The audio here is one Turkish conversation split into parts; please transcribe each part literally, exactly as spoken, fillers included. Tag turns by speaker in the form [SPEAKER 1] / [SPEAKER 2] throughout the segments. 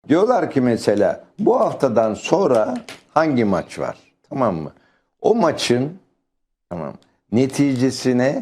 [SPEAKER 1] Diyorlar ki mesela bu haftadan sonra hangi maç var? Tamam mı? O maçın tamam neticesine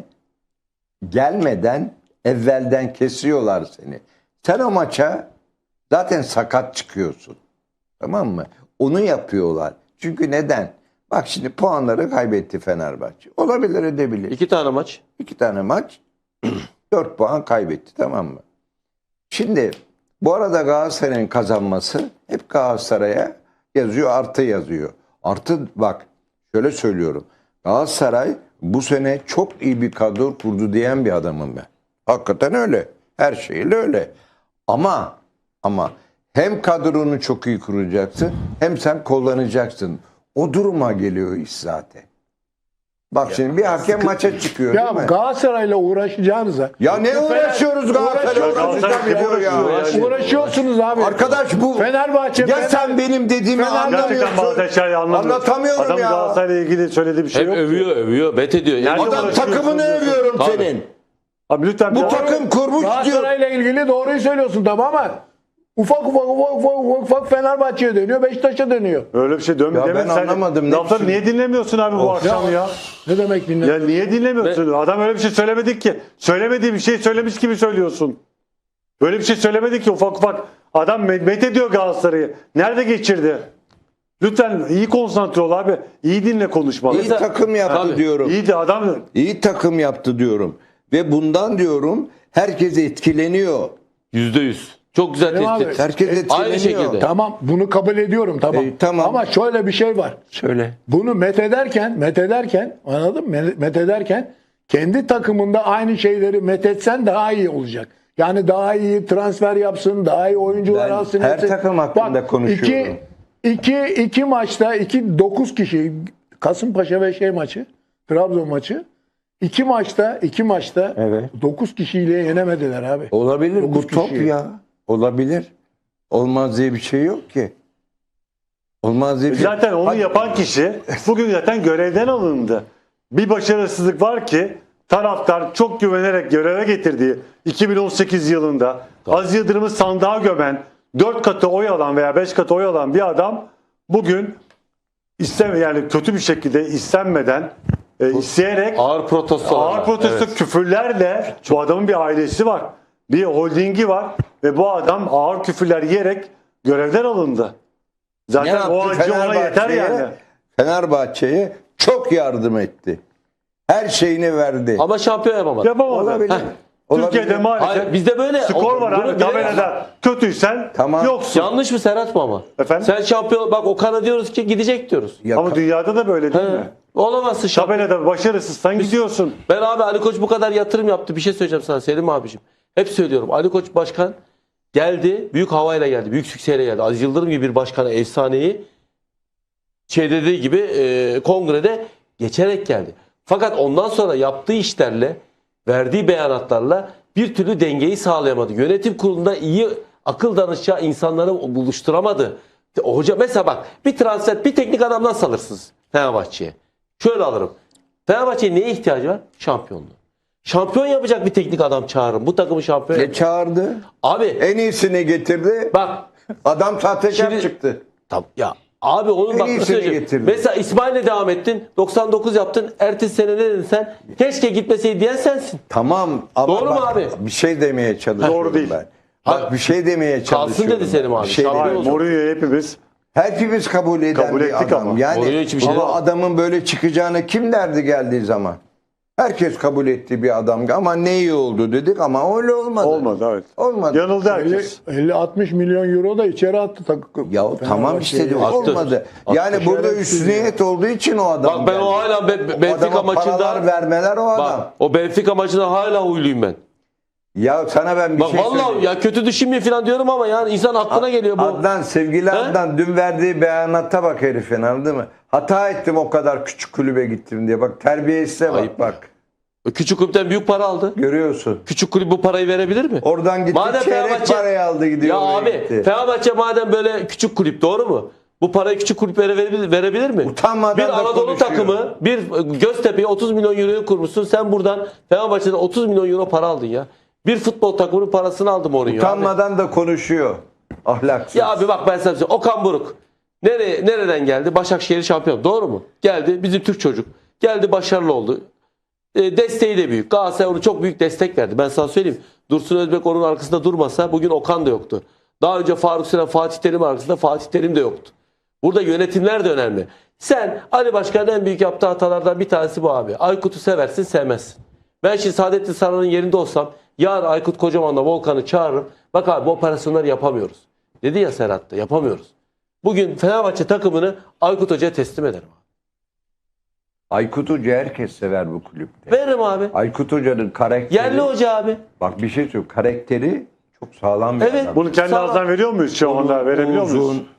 [SPEAKER 1] gelmeden evvelden kesiyorlar seni. Sen o maça zaten sakat çıkıyorsun. Tamam mı? Onu yapıyorlar. Çünkü neden? Bak şimdi puanları kaybetti Fenerbahçe. Olabilir, edebilir.
[SPEAKER 2] İki tane maç.
[SPEAKER 1] İki tane maç. Dört puan kaybetti, tamam mı? Şimdi bu arada Galatasaray'ın kazanması hep Galatasaray'a yazıyor, artı yazıyor. Artı bak şöyle söylüyorum. Galatasaray bu sene çok iyi bir kadro kurdu diyen bir adamım ben. Hakikaten öyle. Her şeyle öyle. Ama ama hem kadronu çok iyi kuracaksın hem sen kullanacaksın. O duruma geliyor iş zaten. Bak şimdi bir hakem maça çıkıyor
[SPEAKER 3] Ya
[SPEAKER 1] değil mi?
[SPEAKER 3] Galatasaray'la uğraşacağınıza.
[SPEAKER 1] Ya ne uğraşıyoruz Galatasaray'la
[SPEAKER 3] Uğraşıyorsunuz.
[SPEAKER 1] uğraşacak ya.
[SPEAKER 2] Uğraşıyor.
[SPEAKER 3] Uğraşıyorsunuz abi.
[SPEAKER 1] Arkadaş bu
[SPEAKER 3] Fenerbahçe.
[SPEAKER 1] ya
[SPEAKER 3] Fener-
[SPEAKER 1] sen benim dediğimi
[SPEAKER 3] Fener-
[SPEAKER 4] Gerçekten bazı
[SPEAKER 1] anlamıyorsun.
[SPEAKER 4] şeyleri anlamıyorum.
[SPEAKER 1] Anlatamıyorum
[SPEAKER 4] Adam
[SPEAKER 1] ya.
[SPEAKER 4] Galatasaray'la ilgili söylediği bir şey
[SPEAKER 2] Hep
[SPEAKER 4] yok.
[SPEAKER 2] övüyor, övüyor, bet ediyor.
[SPEAKER 4] Nerede
[SPEAKER 2] Yani
[SPEAKER 1] Adam
[SPEAKER 4] uğraşıyorsun
[SPEAKER 1] takımını
[SPEAKER 4] diyorsun.
[SPEAKER 1] övüyorum
[SPEAKER 2] Tabii.
[SPEAKER 1] senin.
[SPEAKER 4] Abi lütfen
[SPEAKER 1] Bu
[SPEAKER 4] bir-
[SPEAKER 1] takım kurmuş diyor.
[SPEAKER 3] Galatasaray'la ilgili doğruyu söylüyorsun tamam ama ufak ufak ufak ufak ufak, ufak Fenerbahçe'ye dönüyor, Beşiktaş'a dönüyor.
[SPEAKER 4] öyle bir şey dönmüyor.
[SPEAKER 1] Ya ben
[SPEAKER 4] Demek sen-
[SPEAKER 1] anlamadım. Ne
[SPEAKER 4] Lafları
[SPEAKER 1] biçim-
[SPEAKER 4] niye dinlemiyorsun abi bu akşam ya?
[SPEAKER 3] Ne demek dinle?
[SPEAKER 4] Ya niye dinlemiyorsun? Adam öyle bir şey söylemedik ki. Söylemediği bir şey söylemiş gibi söylüyorsun. Böyle bir şey söylemedik ki ufak ufak. Adam met met ediyor Galatasaray'ı. Nerede geçirdi? Lütfen iyi konsantre ol abi. İyi dinle konuşmaları.
[SPEAKER 1] İyi takım yaptı
[SPEAKER 2] Tabii.
[SPEAKER 1] diyorum.
[SPEAKER 4] İyi de adam
[SPEAKER 1] İyi takım yaptı diyorum. Ve bundan diyorum herkes etkileniyor.
[SPEAKER 2] Yüzde yüz. Çok güzel
[SPEAKER 3] Değil mi abi?
[SPEAKER 2] tespit.
[SPEAKER 1] Herkes etkileniyor.
[SPEAKER 2] Aynı şekilde.
[SPEAKER 3] Tamam bunu kabul ediyorum tamam.
[SPEAKER 1] E, tamam.
[SPEAKER 3] Ama şöyle bir şey var.
[SPEAKER 1] Söyle.
[SPEAKER 3] Bunu met ederken, met ederken anladın mı? Met ederken kendi takımında aynı şeyleri met etsen daha iyi olacak. Yani daha iyi transfer yapsın, daha iyi oyuncular
[SPEAKER 1] Ben
[SPEAKER 3] alsın.
[SPEAKER 1] her
[SPEAKER 3] etsin.
[SPEAKER 1] takım hakkında
[SPEAKER 3] Bak,
[SPEAKER 1] konuşuyorum.
[SPEAKER 3] Iki, iki, iki maçta, iki, dokuz kişi, Kasımpaşa ve şey maçı, Trabzon maçı. İki maçta, iki maçta
[SPEAKER 1] Evet.
[SPEAKER 3] dokuz kişiyle yenemediler abi.
[SPEAKER 1] Olabilir.
[SPEAKER 3] Dokuz
[SPEAKER 1] Bu top
[SPEAKER 3] kişi.
[SPEAKER 1] ya. Olabilir. Olmaz diye bir şey yok ki. Olmaz diye bir şey.
[SPEAKER 4] zaten onu
[SPEAKER 1] Hadi-
[SPEAKER 4] yapan kişi bugün zaten görevden alındı. Bir başarısızlık var ki taraftar çok güvenerek göreve getirdiği iki bin on sekiz yılında Aziz Yıldırım'ı sandığa gömen, dört katı oy alan veya beş katı oy alan bir adam bugün isteme yani kötü bir şekilde istenmeden e, isteyerek
[SPEAKER 2] Ağır protestolar.
[SPEAKER 4] ağır protesto
[SPEAKER 2] Evet.
[SPEAKER 4] küfürlerle bu adamın bir ailesi var. Bir holdingi var ve bu adam ağır küfürler yiyerek görevden alındı.
[SPEAKER 1] Ne
[SPEAKER 4] Zaten
[SPEAKER 1] yaptı?
[SPEAKER 4] o acı ona yeter
[SPEAKER 1] Fenerbahçe'ye-
[SPEAKER 4] yani.
[SPEAKER 1] Fenerbahçe'ye çok yardım etti. Her şeyini verdi.
[SPEAKER 2] Ama şampiyon yapamadı.
[SPEAKER 4] Yapamadı.
[SPEAKER 1] Olabilir.
[SPEAKER 4] Heh. Türkiye'de
[SPEAKER 1] Olabilir.
[SPEAKER 4] maalesef
[SPEAKER 2] Hayır, bizde böyle
[SPEAKER 4] skor var
[SPEAKER 2] bunu
[SPEAKER 4] abi
[SPEAKER 2] bilerek-
[SPEAKER 4] tabelada. Kötüysen
[SPEAKER 1] Tamam.
[SPEAKER 4] yoksun.
[SPEAKER 2] Yanlış mı Serhat mı ama?
[SPEAKER 4] Efendim?
[SPEAKER 2] Sen şampiyon bak Okan'a diyoruz ki gidecek diyoruz.
[SPEAKER 1] Ya
[SPEAKER 4] Ama
[SPEAKER 1] ka-
[SPEAKER 4] dünyada da böyle değil
[SPEAKER 2] He.
[SPEAKER 4] mi?
[SPEAKER 2] Olamazsın şampiyon.
[SPEAKER 4] Tabelada başarısızsan gidiyorsun.
[SPEAKER 2] Ben abi Ali Koç bu kadar yatırım yaptı. Bir şey söyleyeceğim sana Selim abiciğim. Hep söylüyorum. Ali Koç başkan geldi. Büyük havayla geldi. Büyük sükseyle geldi. Aziz Yıldırım gibi bir başkana efsaneyi şey dediği gibi e, kongrede geçerek geldi. Fakat ondan sonra yaptığı işlerle verdiği beyanatlarla bir türlü dengeyi sağlayamadı. Yönetim kurulunda iyi akıl danışacağı insanları buluşturamadı. Hoca mesela bak bir transfer bir teknik adam nasıl alırsınız Fenerbahçe'ye? Şöyle alırım. Fenerbahçe'ye neye ihtiyacı var? Şampiyonluğu. Şampiyon yapacak bir teknik adam çağırın. Bu takımı şampiyon
[SPEAKER 1] Ne
[SPEAKER 2] yapacak.
[SPEAKER 1] çağırdı?
[SPEAKER 2] Abi
[SPEAKER 1] En iyisini getirdi.
[SPEAKER 2] bak
[SPEAKER 1] Adam sahtekar
[SPEAKER 2] Şimdi-
[SPEAKER 1] çıktı.
[SPEAKER 2] tam, ya abi onun
[SPEAKER 1] En
[SPEAKER 2] bak
[SPEAKER 1] iyisini
[SPEAKER 2] nasıl söyleyeceğim.
[SPEAKER 1] getirdi.
[SPEAKER 2] Mesela İsmail'le devam ettin. doksan dokuz yaptın. Ertesi sene ne dedin sen? Keşke gitmeseydi diyen sensin.
[SPEAKER 1] Tamam ama
[SPEAKER 2] Doğru mu
[SPEAKER 1] bak,
[SPEAKER 2] abi?
[SPEAKER 1] bir şey demeye çalışıyorum
[SPEAKER 4] Doğru değil.
[SPEAKER 1] ben. Bak
[SPEAKER 2] Ha,
[SPEAKER 1] bir şey demeye
[SPEAKER 2] kalsın
[SPEAKER 1] çalışıyorum.
[SPEAKER 2] dedi Selim
[SPEAKER 1] ben.
[SPEAKER 2] abi.
[SPEAKER 1] Bir şey
[SPEAKER 2] Şampiyon
[SPEAKER 1] demeye-
[SPEAKER 2] olsun.
[SPEAKER 4] Mourinho'yu hepimiz
[SPEAKER 1] Hepimiz kabul eden
[SPEAKER 4] Kabul
[SPEAKER 1] bir
[SPEAKER 4] ettik
[SPEAKER 1] adam.
[SPEAKER 4] ama.
[SPEAKER 1] Yani
[SPEAKER 2] Oraya hiçbir şey
[SPEAKER 1] ama
[SPEAKER 2] yok.
[SPEAKER 1] adamın böyle çıkacağını kim derdi geldiği zaman? Herkes kabul ettiği bir adam. Ama ne iyi oldu dedik ama öyle olmadı.
[SPEAKER 4] olmadı evet.
[SPEAKER 1] Olmadı.
[SPEAKER 4] Yanıldı herkes.
[SPEAKER 3] elli altmış milyon euro da içeri attı takım.
[SPEAKER 1] Ya tamam işte diyor,
[SPEAKER 2] Attı.
[SPEAKER 1] olmadı.
[SPEAKER 2] Attı.
[SPEAKER 1] Yani burada
[SPEAKER 3] Şerefsiz
[SPEAKER 1] üstüniyet olduğu için o adam
[SPEAKER 2] Bak ben
[SPEAKER 1] geldi.
[SPEAKER 2] o hala Be-
[SPEAKER 1] O
[SPEAKER 2] Benfica
[SPEAKER 1] adama
[SPEAKER 2] maçında
[SPEAKER 1] paralar vermeler o adam.
[SPEAKER 2] bak o Benfica maçında hala huyluyum ben.
[SPEAKER 1] Ya sana ben bir
[SPEAKER 2] Bak
[SPEAKER 1] şey
[SPEAKER 2] vallahi
[SPEAKER 1] söyleyeyim.
[SPEAKER 2] ya kötü düşünmeyin falan diyorum ama yani insan aklına geliyor bu.
[SPEAKER 1] Adnan, sevgili
[SPEAKER 2] He?
[SPEAKER 1] Adnan dün verdiği beyanata bak herifin, anladın mı? Hata ettim o kadar küçük kulübe gittim diye. Bak terbiyesize bak
[SPEAKER 2] Ayıp.
[SPEAKER 1] bak.
[SPEAKER 2] Küçük kulüpten büyük para aldı.
[SPEAKER 1] Görüyorsun.
[SPEAKER 2] Küçük kulüp bu parayı verebilir mi?
[SPEAKER 1] Oradan gitti
[SPEAKER 2] Madem
[SPEAKER 1] çeyrek
[SPEAKER 2] Fenerbahçe-
[SPEAKER 1] parayı aldı gidiyor.
[SPEAKER 2] Ya
[SPEAKER 1] oraya
[SPEAKER 2] abi
[SPEAKER 1] gitti.
[SPEAKER 2] Fenerbahçe madem böyle küçük kulüp doğru mu? Bu parayı küçük kulüplere verebilir, verebilir mi?
[SPEAKER 1] Utanmadan
[SPEAKER 2] bir
[SPEAKER 1] da
[SPEAKER 2] Anadolu
[SPEAKER 1] konuşuyor.
[SPEAKER 2] takımı, bir Göztepe'ye otuz milyon euroyu kurmuşsun. Sen buradan Fenerbahçe'den otuz milyon euro para aldın ya. Bir futbol takımının parasını aldım oraya.
[SPEAKER 1] Utanmadan da konuşuyor. Ahlaksız.
[SPEAKER 2] Ya abi bak ben sana söyleyeyim. Okan Buruk. Nereye, nereden geldi? Başakşehir şampiyon. Doğru mu? Geldi. Bizim Türk çocuk. Geldi başarılı oldu. E, desteği de büyük. Galatasaray onu çok büyük destek verdi. Ben sana söyleyeyim. Dursun Özbek onun arkasında durmasa bugün Okan da yoktu. Daha önce Faruk Süren, Fatih Terim arkasında Fatih Terim de yoktu. Burada yönetimler de önemli. Sen Ali Başkan'ın en büyük yaptığı hatalardan bir tanesi bu abi. Aykut'u seversin sevmezsin. Ben şimdi Saadettin Saran'ın yerinde olsam yarın Aykut Kocaman'la Volkan'ı çağırırım. Bak abi bu operasyonları yapamıyoruz. Dedi ya Serhat da yapamıyoruz. Bugün Fenerbahçe takımını Aykut Hoca'ya teslim ederim.
[SPEAKER 1] Aykut Hoca herkes sever bu kulüpte.
[SPEAKER 2] Veririm abi.
[SPEAKER 1] Aykut Hoca'nın karakteri.
[SPEAKER 2] Yerli hoca abi.
[SPEAKER 1] Bak bir şey söyleyeyim. Karakteri çok sağlam bir
[SPEAKER 2] Evet.
[SPEAKER 1] adam.
[SPEAKER 4] Bunu kendi
[SPEAKER 2] Sağ ol.
[SPEAKER 4] ağzından veriyor muyuz şu anda? Verebiliyor muyuz?
[SPEAKER 1] Uzun,